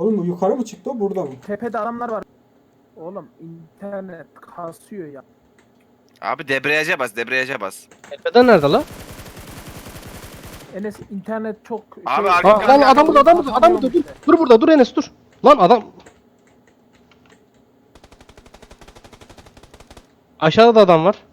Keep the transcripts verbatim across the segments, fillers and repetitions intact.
Oğlum bu yukarı mı çıktı o burada mı? Tepede adamlar var. Oğlum internet kasıyor ya. Abi debriyaja bas, debriyaja bas. Tepeden nerede lan? Enes internet çok Abi şey. arka- Aa, lan adam burada adam burada adam burada dur. Dur burada dur Enes dur. Lan adam. Aşağıda da adam var.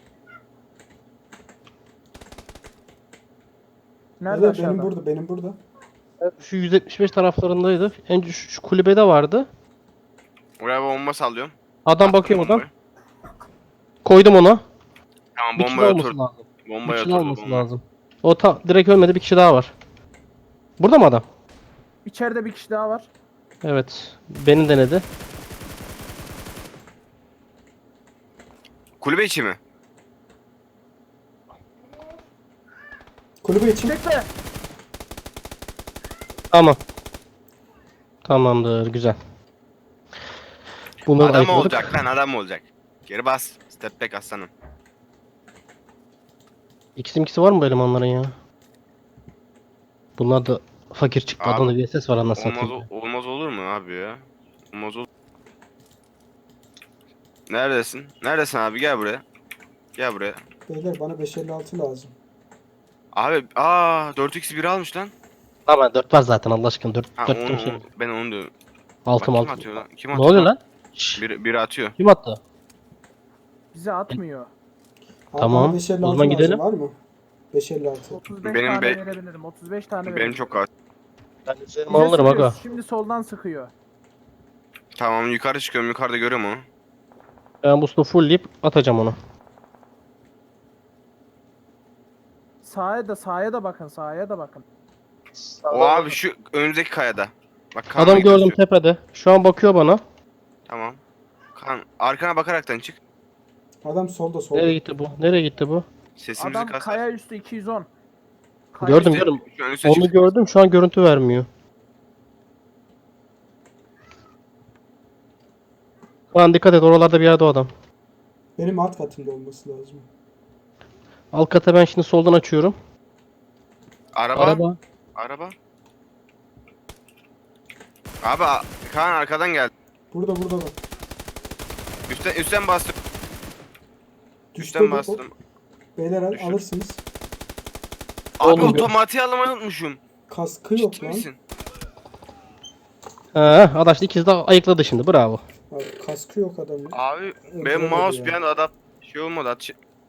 Nerede Evet, aşağıda? benim burada benim burada. Şu yüz yetmiş beş taraflarındaydı. En şu, şu kulübede vardı. Oraya bomba sallıyorum. Adam Attım bakıyor oradan. bombayı. Koydum ona. Tamam Bir kişi bombaya daha olması otur. lazım. Bir Bombaya kişi daha oturdu olması bomba. lazım. O ta direkt ölmedi, bir kişi daha var. Burada mı adam? İçeride bir kişi daha var. Evet. Beni denedi. Kulübe içi mi? Kulübe için. Çekme. Tamam. Tamamdır, güzel. Bunları Adam ayıkladık. olacak lan, adam olacak. Geri bas. Step back aslanım. İkisi ikisi var mı bu elemanların ya? Bunlar da fakir çıktı. Abi, Adamda bir S S var anasını Olmaz, satayım. o- olmaz olur mu abi ya? Olmaz olur. Neredesin? Neredesin abi? Gel buraya. Gel buraya. Beyler bana beş elli altı lazım. Abi aa dört x bir almış lan. Tamam dört var zaten Allah aşkına. dört Ha, dört onu, şey. onu- ben onu diyorum. Altım Bak, kim altım. atıyor lan? Kim Ne atıyor oluyor lan? Şşş, Biri, biri atıyor. kim attı? Bize atmıyor. Abi Tamam, bana beş elli o altı zaman lazım, gidelim. var mı? beş elli altı. otuz beş Benim tane be- verebilirim. otuz beş tane Benim verebilirim. çok az. Ben üzerime Bize alırım sıkıyor, aga. Şimdi soldan sıkıyor. Tamam yukarı çıkıyorum. Yukarıda görüyorum onu. Ben boost'u fullleyip atacağım onu. Sağa da sağa da bakın. Sağa da bakın. O abi şu önümüzdeki kayada. Bak kan Adam gördüm gözüküyor. tepede. Şu an bakıyor bana. Tamam. Kan arkana bakaraktan çık. Adam solda solda. Nereye gitti bu? Nereye gitti bu? Sesimizi Adam kas. kaya üstü iki yüz on. Kaya Gördüm, üstü- gördüm. Şu ön üste Onu çık. gördüm. Şu an görüntü vermiyor. Lan dikkat et, oralarda bir yerde o adam. Benim alt katımda olması lazım. Alt kata ben şimdi soldan açıyorum. Araba. Araba. Araba. Abi a- Kaan arkadan geldi. Burada burada bak. Üstten üstten bastım. Düştü Üstten bu. bastım. Beyler al, Düştü. alırsınız. Abi Oğlum, otomatiği almayı unutmuşum. Kaskı yok Ciddi lan. misin? Ha, adaş ikisi de ayıkladı şimdi. Bravo. Abi kaskı yok adamın. Abi Evet, benim öyle mouse ya. bir anda adap şey olmadı. At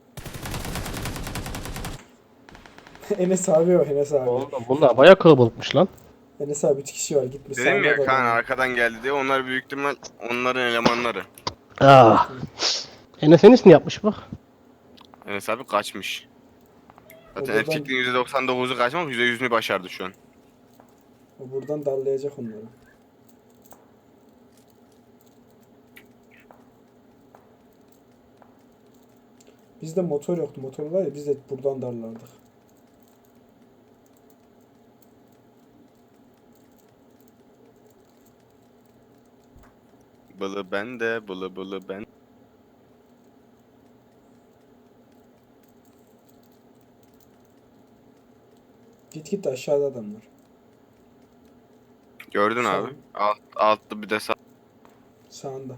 Enes abi o Enes abi. Oğlum bunlar bayağı kalabalıkmış lan. Enes abi üç kişi var gitmiş. Dedim ya sağına da Kaan adam. arkadan geldi diye. Onlar büyük ihtimal onların elemanları. Ah. Enes Enes ne yapmış bak. Enes abi kaçmış. Zaten O buradan- erkekliğin yüzde doksan dokuzu kaçmak yüzde yüzünü başardı şu an. O buradan darlayacak onları. Bizde motor yoktu. Motor var ya biz de buradan darlardık. Bılı bende, bılı bılı ben. Git git aşağıda adamlar. Gördün Sağ abi. ol. Alt, altlı bir de sağ. Sağında.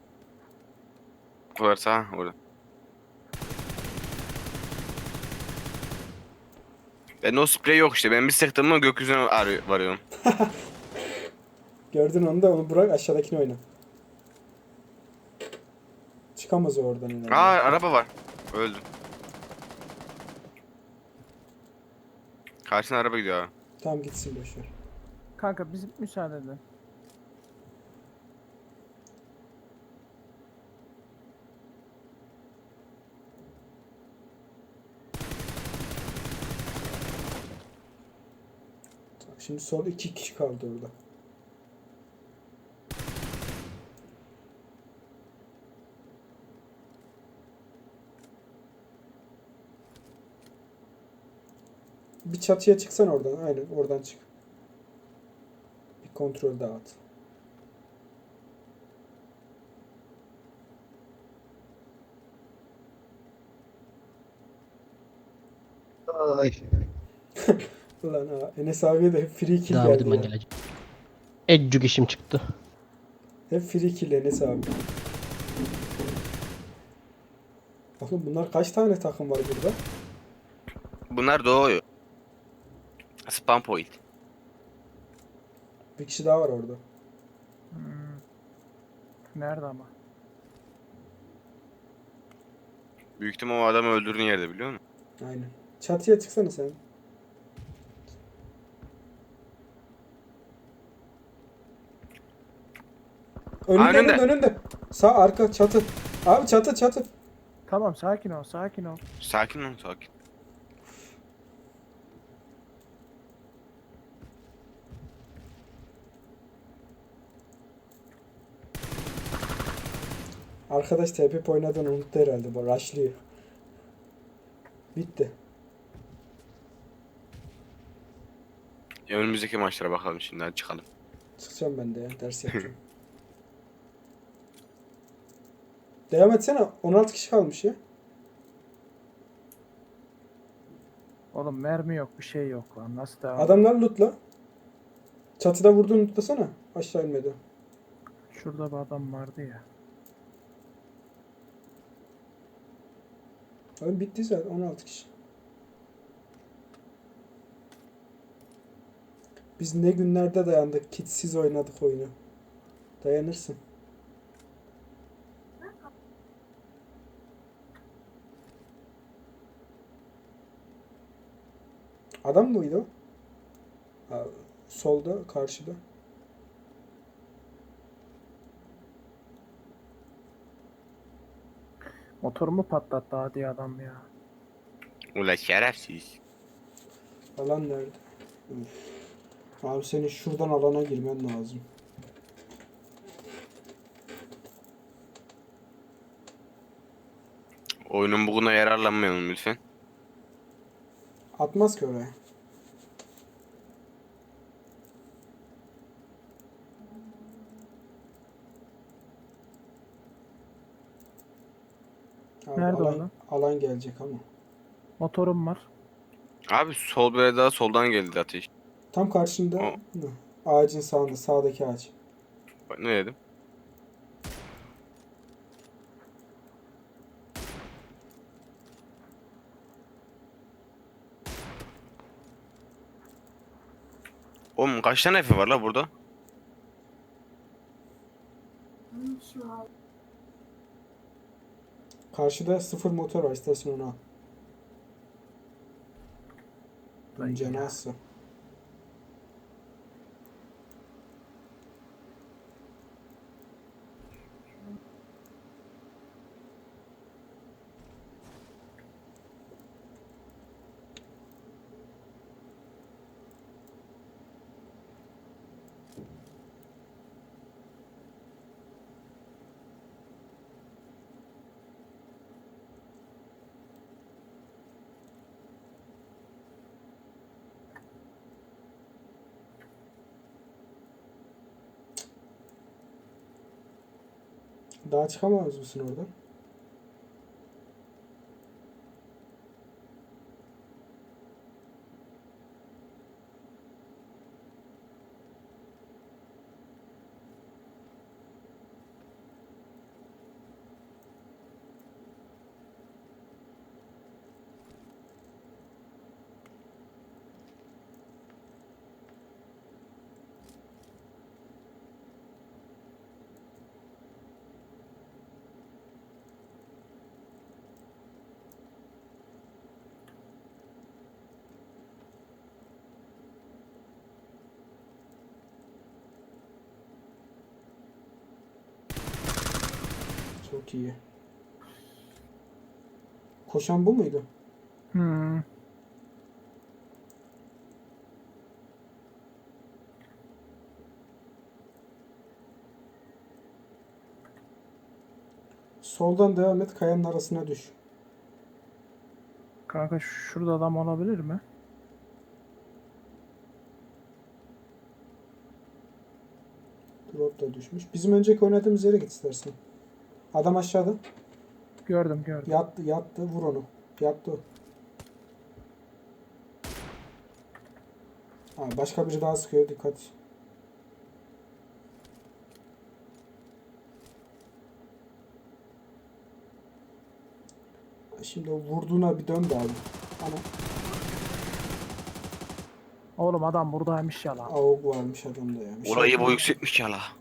Var sağ orada. Ben o sprey yok işte. Ben bir sıktım mı gökyüzüne arıyor, varıyorum. Gördün onu da onu bırak aşağıdakini oyna. Çıkamaz o oradan ileride. Aa araba var. Öldüm. Karşına araba gidiyor abi. Tamam gitsin boşver. Kanka biz müsaade edin. Bak şimdi sol iki kişi kaldı orada. Bir çatıya çıksan oradan. Aynen oradan çık. Bir kontrol daha at. Ay. Ulan ha Enes abiye de free kill Daha geldi ben ya. geleceğim. Eccük işim çıktı. Hep free kill Enes abi. Bakın bunlar kaç tane takım var burada? Bunlar doğuyor. Spam point. Bir kişi daha var orada. Hmm. Nerede ama? Büyük ihtimal o adamı öldürdüğün yerde biliyor musun? Aynen. Çatıya çıksana sen. Önünde Önünde. önünde önünde. Sağ arka çatı. Abi çatı çatı. Tamam sakin ol sakin ol. Sakin ol sakin. Arkadaş T P oynadığını unuttu herhalde. Bu rushlıyor. Bitti. Ya önümüzdeki maçlara bakalım şimdi hadi çıkalım. Çıkacağım ben de ya. Ders yapacağım. Devam etsene. on altı kişi kalmış ya. Oğlum mermi yok bir şey yok lan. Nasıl devam? Adamlar lootla. Çatıda vurduğunu lootlasana. Aşağı inmedi. Şurada bir adam vardı ya. Oyun bitti zaten. on altı kişi. Biz ne günlerde dayandık. Kitsiz oynadık oyunu. Dayanırsın. Adam mıydı o? Ha, solda, karşıda. Motorumu patlattı hadi adam ya. Ula şerefsiz. Alan nerede? Üf. Abi senin şuradan alana girmen lazım. Oyunun buguna yararlanmayalım lütfen. Atmaz ki oraya. Abi Nerede alan, orada? alan gelecek ama. Motorum var. Abi sol bir daha soldan geldi ateş. Tam karşında. O. Hı. Ağacın sağında. Sağdaki ağaç. Bak ne dedim? Oğlum kaç tane F var la burada? Karşıda sıfır motor var. İstersen onu al. Ay Canı ya. azsa. Daha çıkamaz mısın oradan? Çok iyi. Koşan bu muydu? Hmm. Soldan devam et. Kayanın arasına düş. Kanka şurada adam olabilir mi? Drop da düşmüş. Bizim önceki oynadığımız yere git istersen. Adam aşağıda. Gördüm gördüm. Yattı yattı. Vur onu. Yattı o. Ha, başka biri daha sıkıyor. Dikkat. Şimdi o vurduğuna bir dön de abi. Ana Oğlum adam buradaymış ya lan. avuk varmış adamda ya. Bir şey Orayı bu yapamam. yükseltmiş ya la.